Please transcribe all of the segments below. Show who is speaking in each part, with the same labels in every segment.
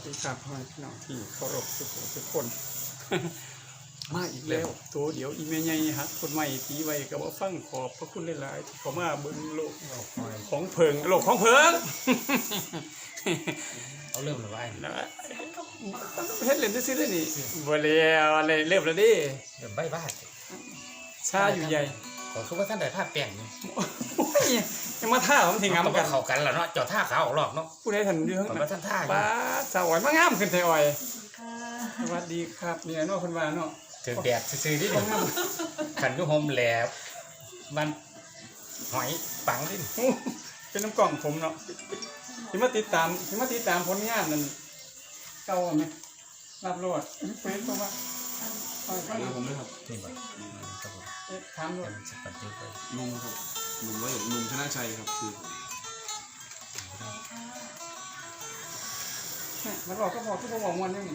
Speaker 1: ดีครับพี่น้องที่เคารพทุกคน มาอีกแล้วตัวเดี๋ยวอีเมย์ใหญ่ฮักคนใหม่ตีไว้กับว่าฟังขอบพระคุณหลายๆที่เขามาเบิ่งโลกของเพิงโลกของเพิง
Speaker 2: เอาเริ่มเลยว่า
Speaker 1: นะเฮ็ดเล่นซื่อๆเลยนี่บ่แล้วอะไรเริ่มแล้วดิ
Speaker 2: เริ่มใบบ้า
Speaker 1: ชาอยู่ใหญ่
Speaker 2: ขอคือว่าท่านได้ผ้าแป้งนี่
Speaker 1: โอ้ยยังมาท่าผมถึงงามกัน
Speaker 2: เข้ากันแล้วเนาะเจ้าท่าขาวออกหลอกเนาะ
Speaker 1: ผู้ใดทันอยู่ข้าง
Speaker 2: ผม
Speaker 1: หน้า
Speaker 2: ว่าท่านท่าอยู่
Speaker 1: บ้าสาวอ่อยมางามขึ้นไทอ้อยสวัสดีครับนี่เนาะเพิ่นว่าเนาะ
Speaker 2: ถึงแดดซื่อๆดิขันยุหมแหลบมันหอยปังดิ
Speaker 1: เป็นน้ำกล่องผมเนาะที่มาติดตามผลงานนั่นเก่าไหมรับโลดเฟซเพราะว่า
Speaker 3: ผมเลยครับ
Speaker 2: นี่บ่ครับผม
Speaker 1: ถามโลด
Speaker 2: เป็นสปันติไป
Speaker 3: ลุงครับลุงร้อยเอ็ดลุงชนะชัยครับคือ
Speaker 1: มันบอกก็บอกทุกคนบอกมวนนี่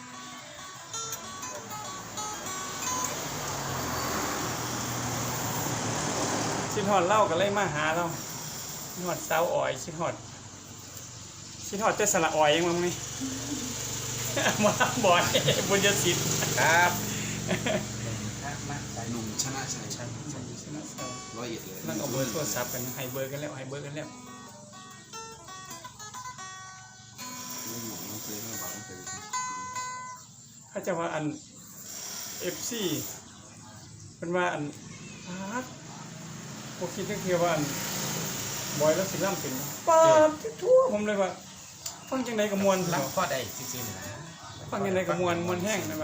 Speaker 1: ชิดหอดเล่ากันเลยมาหาเราชิดหอดสาวอ่อยชิดหอดเจ้าสละอ่อยยังมั้งนี่ มาบ่อยบุญยศิษย์
Speaker 2: ครับมา
Speaker 3: ลุงชนะชัย
Speaker 1: ชนะสาว
Speaker 3: ร้อยเอ็ดเลย
Speaker 1: นั่งเอาเบอร์โทรศัพท์กันให้เบอร์กันแล้ว
Speaker 3: ลุงหนุ่มน้องเคยให้บาทน้องเคย
Speaker 1: ถ้าจะว่าอัน FC เป็นว่าอันพาดพวกคิดเที่ยวว่าอันบอยแล้วสิล่ำเป็นปาดทั่วผมเลยว่าฟังจังไดกับมวล
Speaker 2: รับข้อได้ซื่อๆนี่นะ
Speaker 1: ฟังจังไดกับมวลแห้งนะ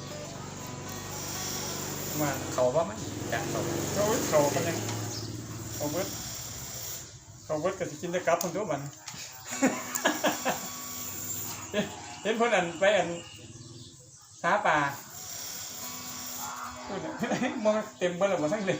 Speaker 1: ว่า
Speaker 2: เขาว่ามันจะเขา
Speaker 1: เขากันยังเขาเบิดก็สิกินได้กลับคนตัวมัน เห็นเพิ่นอันไปอันสาป่าพูดมองเต็มเบิดแล้วบ่ทั้งเลย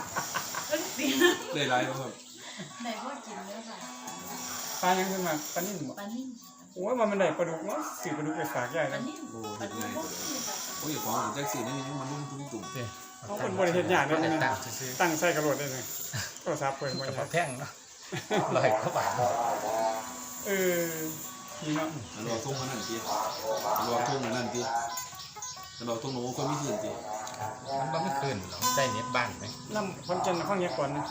Speaker 3: ได้ไรแล้วครับ
Speaker 4: ไหนว่ากินเนื้อค่ะ
Speaker 1: ปลายังขึ้นมาปลานิ่มบ่
Speaker 4: ปลานิ่ม
Speaker 1: โอ้ยมันได้ปลาดุกเนาะซื้อปลาดุกไปฝากยาย
Speaker 4: ป
Speaker 1: แล้
Speaker 4: ลาว นิ่ม
Speaker 3: โอ้
Speaker 4: ปลา
Speaker 3: เห็ด
Speaker 4: ดุก
Speaker 3: ไง
Speaker 4: พวกนี้ค่ะ
Speaker 3: โอ้ยของของแจ็คซี่นี่มันลุ่มตุ่ม
Speaker 1: เขาเป็นบริเฮ็ดยากเด้
Speaker 2: ได้
Speaker 1: นี่
Speaker 2: ตั้
Speaker 1: นะ
Speaker 2: งซื่อ
Speaker 1: ตั้งใส่กระโดดได้เลยโทรศัพท์เพิ่นบ่
Speaker 2: ๆกระ
Speaker 1: ยา
Speaker 2: เป๋าก แท่งเนาะ100 กว่าบาท
Speaker 1: นี่เนาะ
Speaker 3: รอทุ่งนั่นทีรอทุ่งนั่นทีรอทุ่งโน้คนไม่ถึงที
Speaker 2: มันไม่คืนหรอกใจเน็ตบ้านไหม
Speaker 1: น้ำคนจันทร์ฟังยากก่อนนะ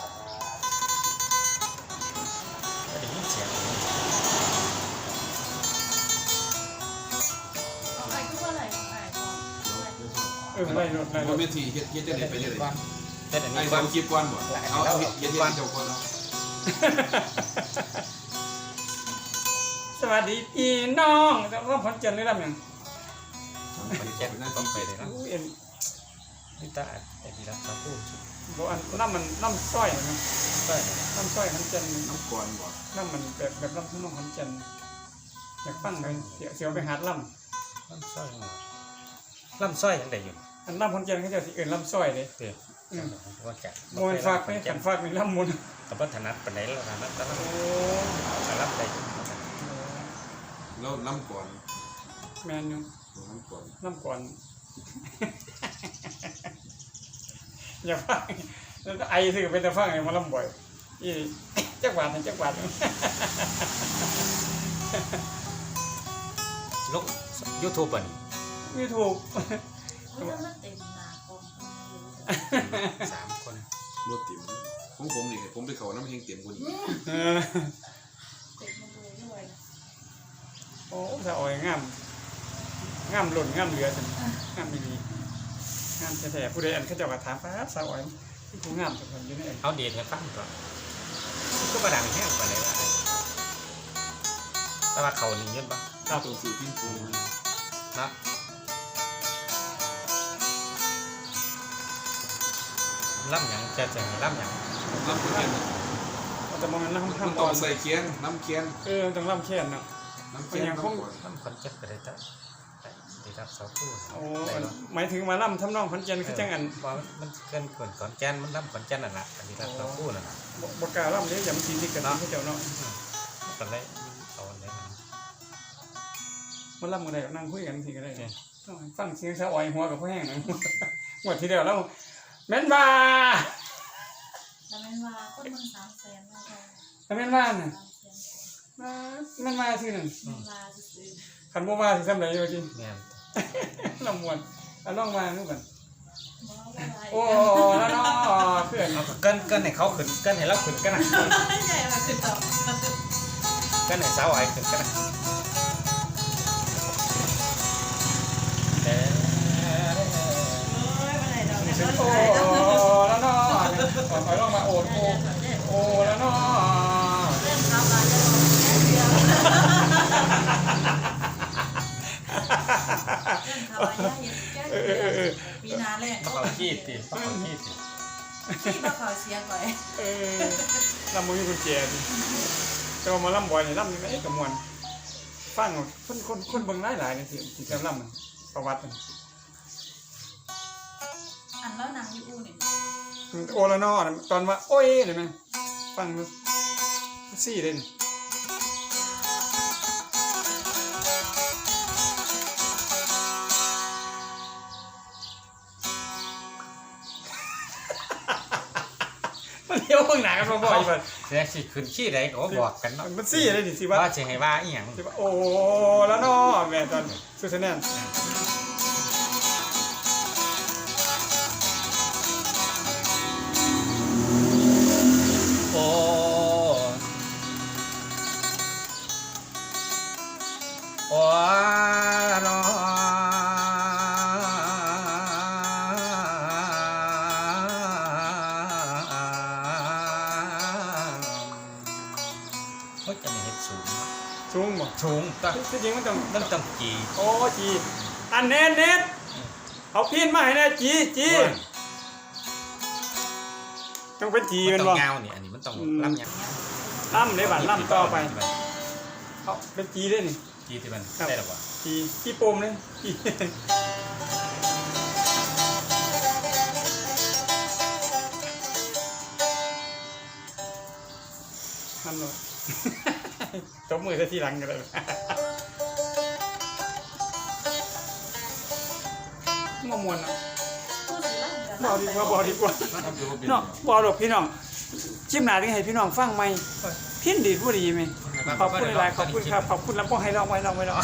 Speaker 2: ก็ได้ยินเสียง
Speaker 4: เอาไปก็ว่าอะไรเอาไปก่อน
Speaker 1: ไล่รถ
Speaker 3: ว่าเมทีเฮ็ดจะเด็ดไปเลย
Speaker 2: เฮ็ดอัน
Speaker 3: ไอ้
Speaker 2: นี้
Speaker 3: ต
Speaker 2: ก่
Speaker 3: อ
Speaker 2: อน
Speaker 3: นคลิปก่อนบ่เอาเฮ็ดเจ้าก่อนเอา
Speaker 1: สวัสดีพี่น้องแล้วก็คนจันทร์ได้รับหยัง
Speaker 2: มันแจ้งต้องไปเลยนะ
Speaker 1: อู้เอ็น
Speaker 2: นี่ตาไอ้ที่รักเขาพูดสุด
Speaker 1: บ่อันน้ำมันน้ำสร้อยนะ
Speaker 2: ก็
Speaker 1: น้ำสร้อยคนจันทร์
Speaker 3: น้ำก่อนบ่
Speaker 1: น้ำมันแบบน้ำทุ่งน้องคนจันทร์อยากฟังเลยเสียวไปหาดล่
Speaker 2: ลำสร้อยลำสร้อยยังได้อยู่
Speaker 1: ำอันล่ำคนจันทร์เขาจะสิเอิ้นล่ำสร้อยเลย
Speaker 2: เด้อว่าจะ
Speaker 1: มวนฝากไปขันฝากในล่ำมวน
Speaker 2: กับวัฒนัดปานไหนแล้วนะแต่ละ
Speaker 1: โอ้
Speaker 2: รับได้อยู่
Speaker 3: แล้วน้ำก่อน
Speaker 1: แมนอยู่
Speaker 3: น้ำก่อน
Speaker 1: ล่ำก่อน อย่าฟังแล้วไอซื้อเป็นแต่ฟังไอ้มาล่ำบ่อยอีจักบาทจักบาท
Speaker 2: ลก YouTube อ่ะ
Speaker 1: มีถูก
Speaker 4: เฮ้ยแล้วมันเต็มหนาคอม
Speaker 2: 3 ค
Speaker 4: ทำไมอยู่
Speaker 2: น
Speaker 3: รถติ๋มของผมนี่ผมไปเขาน้ำแห้งเต็มคน
Speaker 1: เออ
Speaker 4: เต็มมาเลยด้วยนะ
Speaker 1: โอ้ถ้าอ่อยงามหล่นงามเหลือจนงามดีงามแท้ๆผู้ใดอันเขาเจะมาถามป้าสาวอ่อยที่ผู้งามทุกคนอยู่ในอัน
Speaker 2: เอาเดทให้ฟังก่อนก็ประดังแห้งปานไหนว่าแต่ว่าเขานี่เงินบ่
Speaker 3: ถ้าตัวสื่อพิ้นปู
Speaker 2: นะล่ำหยังจะล่ำหยัง
Speaker 3: น้ำเคียน
Speaker 1: แต่มองนั้น
Speaker 3: มัน
Speaker 1: ทำ
Speaker 3: ต้
Speaker 1: ก่
Speaker 3: อ
Speaker 1: อง น
Speaker 3: ใส่เคียนน้ำเคียน
Speaker 1: ต้องล่ำแค่นเนาะ
Speaker 3: น้ำเคียนน้ำก่อน
Speaker 2: ล่ำคนเจ็บก็ได้ได้รับเสาคู่
Speaker 1: โอ้หมายถึงมาล่ำทำนองขอนแก่นคือจังอัน
Speaker 2: ว่ามันเกินขอนแก่นมันล่ำขอนแก่นนั่นแหละอันนี้รับเสาคู่นั่นแหละ
Speaker 1: บกล้าล่ำเลยอย่ามันสีติดกันเนาะเขาเจ้าเนาะ
Speaker 2: ตอนแรกเอาอันไหน
Speaker 1: มันล่ำกันได้นั่งคุยกันทีก็ได้ฟังเสียงสาวอ่อยหัวกับพ่อแห้งนะหมดทีเดียวแล้วแม่นบ้า
Speaker 4: แต่มันว่าคนมัน300,000แล้วก็
Speaker 1: แม่นบ้าน่ะ
Speaker 4: 300,000
Speaker 1: มันมาซื่อนั่น
Speaker 4: มาซื้อ
Speaker 1: คันบ่มาสิซำใดอยู่จริง
Speaker 2: แม่น
Speaker 1: ลำมวนเอาลองมาดูกัน
Speaker 4: บ่อะไร
Speaker 1: โอ้แล้วเนาะเพื่อน
Speaker 2: เอาเกินให้เขาขึ้นเกินให้เราขึ้นกันนะ
Speaker 4: ใหญ่มาขึ้นต่อ
Speaker 2: เกินให้สาวไอ้ขึ้นกันนะเด้อ
Speaker 4: โอ้ยมาไหนดอกเนี่ย
Speaker 1: โอ้แล้วเนาะเอาลองมาโอ้โอ้แล้วเนาะ
Speaker 4: เริ่มทำมาจะลงแค่เดียวเริ่มทำมาจะเห็นแค่เดียวปีนาเลย
Speaker 2: มาเขาขี้ติมาเขาขี้ติ
Speaker 4: ที่มาขอเสียก่อน
Speaker 1: ลำมือกุญแจดิแต่ว่ามาลำบ่อยนี่ลำนี่ไม่กับมวนฟังคนเบิ่งหลายๆนี่สิจำลำมันประวัติมัน
Speaker 4: อันแล้วนางยูอูนี่
Speaker 1: โอละนอตอนว่าโอ้ยเลยไหมฟังดูซี่เลยนี่มันเลี้ยวข้างหน้ากันบ่อยๆมัน
Speaker 2: เสียสิขึ้นขี้ใดก็บอกกันเนาะ
Speaker 1: มันซี่เลยดิสิว่า
Speaker 2: ว่าสิให้ว่าอีหยัง
Speaker 1: สิว่าโอ้ละนอแม่ตอนสุดแน่น
Speaker 2: โอ้โอ้เนาะเฮ้ยจะไม่เห็นสูง
Speaker 1: สูงบ่
Speaker 2: สูงต้อง
Speaker 1: ที่จริงมันต้อง
Speaker 2: ต้องจี
Speaker 1: โอ้จีอันเน็ตเอาพินมาให้แน่จีต้องเป็นจี
Speaker 2: มั
Speaker 1: มัน น
Speaker 2: ต้
Speaker 1: บ่
Speaker 2: องเงานี่อันนี้มันต้องลำยัง
Speaker 1: ล่ำได้บัดล่ำต่อไปเอาเป็นจีได้นี่
Speaker 2: จีที่มันได้หรอวะ
Speaker 1: จีโปมเลยจีนั่นเลย ตบมือซะทีหลังกันเลยมามวนอ่ะ
Speaker 4: พูดสิล่ะ
Speaker 1: บอกดีกว่าบอกดีกว่า
Speaker 3: ทำอยู่บ่เป็น
Speaker 1: เนาะบอกหรอกพี่น้องชิมหนาที่ให้พี่น้องฟังไหมพินดีผู้ดีไหมขอบคุณหลายๆขอบคุณครับขอบคุณแล้วก็ให้ลองไว้ลอง